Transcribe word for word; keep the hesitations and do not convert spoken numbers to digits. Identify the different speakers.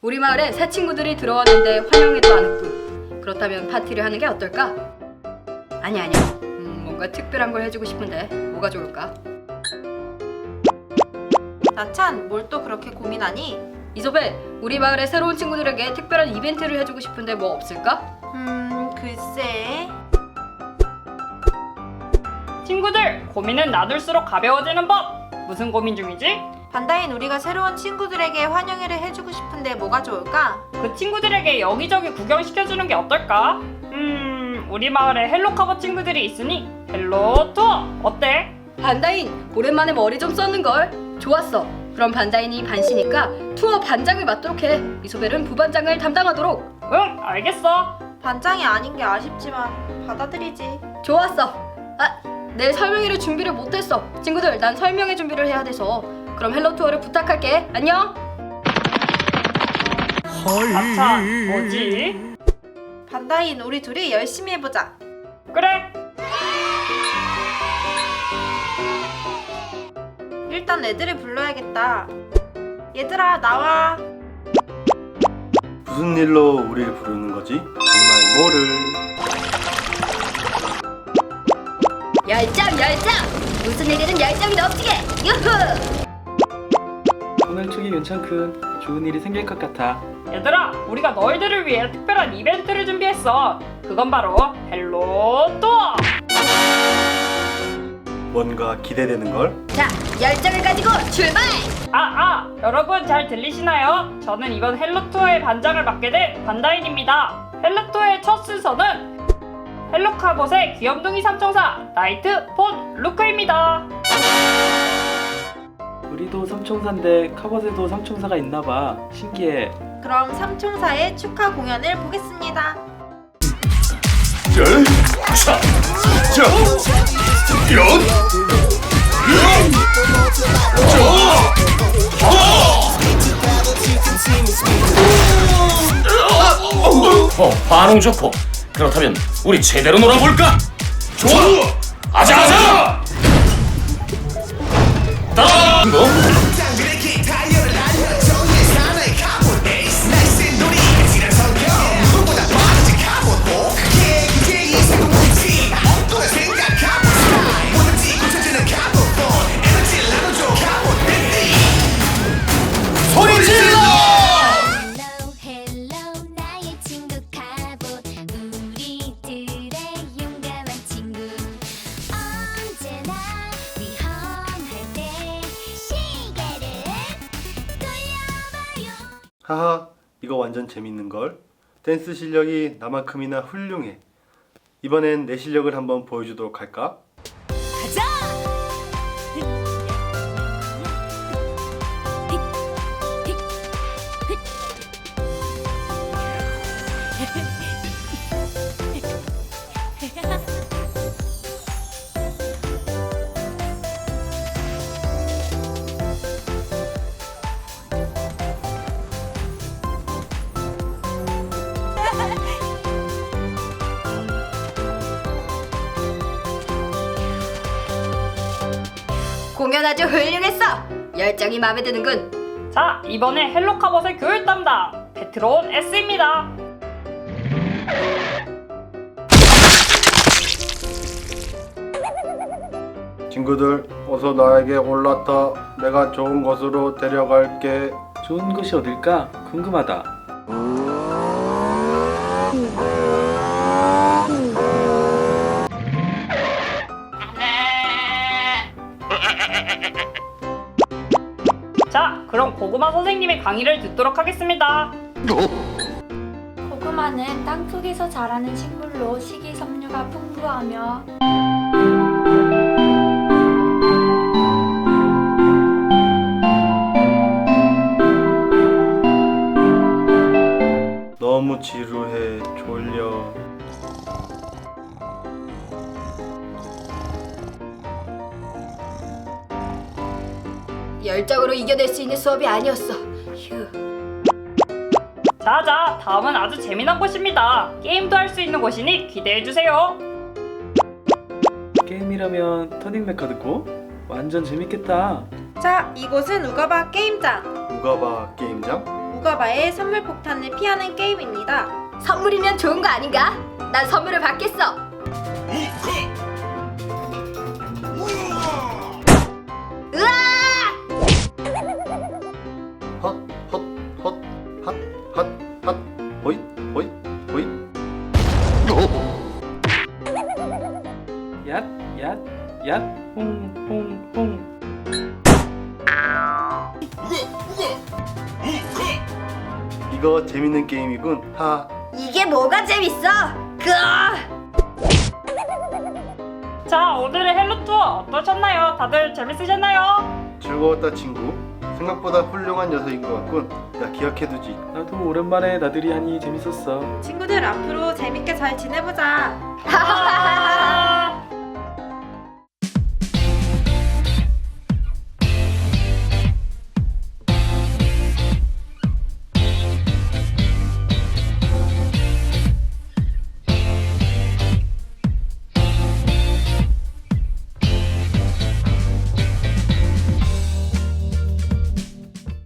Speaker 1: 우리 마을에 새 친구들이 들어왔는데 환영회도 안 했군. 그렇다면 파티를 하는 게 어떨까? 아니 아니야. 음, 뭔가 특별한 걸 해주고 싶은데 뭐가 좋을까?
Speaker 2: 나찬, 뭘 또 그렇게 고민하니?
Speaker 1: 이소벨, 우리 마을의 새로운 친구들에게 특별한 이벤트를 해주고 싶은데 뭐 없을까?
Speaker 2: 음, 글쎄...
Speaker 3: 친구들, 고민은 나눌수록 가벼워지는 법! 무슨 고민 중이지?
Speaker 2: 반다인 우리가 새로운 친구들에게 환영회를 해주고 싶은데 뭐가 좋을까?
Speaker 3: 그 친구들에게 여기저기 구경시켜주는 게 어떨까? 음... 우리 마을에 헬로카버 친구들이 있으니 헬로 투어! 어때?
Speaker 1: 반다인, 오랜만에 머리 좀 썼는걸. 좋았어. 그럼 반다인이 반시니까 투어 반장을 맡도록 해. 이소벨은 부반장을 담당하도록.
Speaker 3: 응, 알겠어.
Speaker 2: 반장이 아닌 게 아쉽지만 받아들이지.
Speaker 1: 좋았어. 아, 내일 설명회를 준비를 못했어. 친구들, 난 설명회 준비를 해야 돼서. 그럼 헬로 투어를 부탁할게. 안녕.
Speaker 3: 아차, 뭐지?
Speaker 2: 반다인, 우리 둘이 열심히 해보자.
Speaker 3: 그래!
Speaker 2: 일단 애들을 불러야겠다. 얘들아, 나와.
Speaker 4: 무슨 일로 우리를 부르는 거지? 정말 뭐를?
Speaker 1: 열정, 열정. 무슨 일이든 열정이 넘치게. 유후.
Speaker 5: 오늘 축이 괜찮군. 좋은 일이 생길 것 같아.
Speaker 3: 얘들아, 우리가 너희들을 위해 특별한 이벤트를 준비했어. 그건 바로 헬로 투어!
Speaker 4: 뭔가 기대되는 걸?
Speaker 1: 자, 열정을 가지고 출발.
Speaker 3: 아, 아! 여러분 잘 들리시나요? 저는 이번 헬로 투어의 반장을 맡게 된 반다인입니다. 헬로 투어의 첫 순서는 헬로카봇의 귀염둥이 삼총사 나이트 폰 루크입니다.
Speaker 5: 우리도 삼총사인데 카봇에도 삼총사가 있나봐. 신기해.
Speaker 2: 그럼 삼총사의 축하 공연을 보겠습니다.
Speaker 4: 자, 자,
Speaker 6: 어, 반응 좋고. 그렇다면 우리 제대로 놀아볼까? 좋아! 아자 아자! 따! 뭐? 소리 질러!
Speaker 7: 나의 친구 카봇 우리들의 용감한 친구 언제나 위험할 때 시계를 돌려봐요.
Speaker 4: 하하, 이거 완전 재밌는 걸. 댄스 실력이 나만큼이나 훌륭해. 이번엔 내 실력을 한번 보여주도록 할까?
Speaker 1: 공연 아주 훌륭했어. 열정이 마음에 드는군.
Speaker 3: 자, 이번에 헬로카봇의 교육 담당 베트론 S입니다.
Speaker 4: 친구들, 어서 나에게 올라타. 내가 좋은 곳으로 데려갈게.
Speaker 5: 좋은 곳이 어딜까? 궁금하다.
Speaker 3: 자, 그럼 고구마 선생님의 강의를 듣도록 하겠습니다.
Speaker 7: 고구마는 땅속에서 자라는 식물로 식이섬유가 풍부하며
Speaker 4: 너무 지루해. 졸려.
Speaker 1: 열정으로 이겨낼 수 있는 수업이 아니었어. 휴.
Speaker 3: 자자, 다음은 아주 재미난 곳입니다. 게임도 할 수 있는 곳이니 기대해주세요.
Speaker 5: 게임이라면 터닝 메카드고? 완전 재밌겠다.
Speaker 2: 자, 이곳은 우가바 게임장.
Speaker 4: 우가바 게임장?
Speaker 2: 무가바의 선물 폭탄을 피하는 게임입니다.
Speaker 1: 선물이면 좋은 거 아닌가? 난 선물을 받겠어.
Speaker 4: 헛, 헛, 헛, 핫, 핫, 핫, 호잇, 호잇, 호잇.
Speaker 5: 얏, 얏, 얏, 홍, 홍, 홍.
Speaker 4: 이거 재밌는 게임이군. 하.
Speaker 1: 이게 뭐가 재밌어? 그아!
Speaker 3: 자, 오늘의 헬로 투어 어떠셨나요? 다들 재밌으셨나요?
Speaker 4: 즐거웠다 친구. 생각보다 훌륭한 녀석인 것 같군. 야 기억해두지.
Speaker 5: 나도 오랜만에 나들이 하니 재밌었어.
Speaker 2: 친구들 앞으로 재밌게 잘 지내보자.
Speaker 3: 아~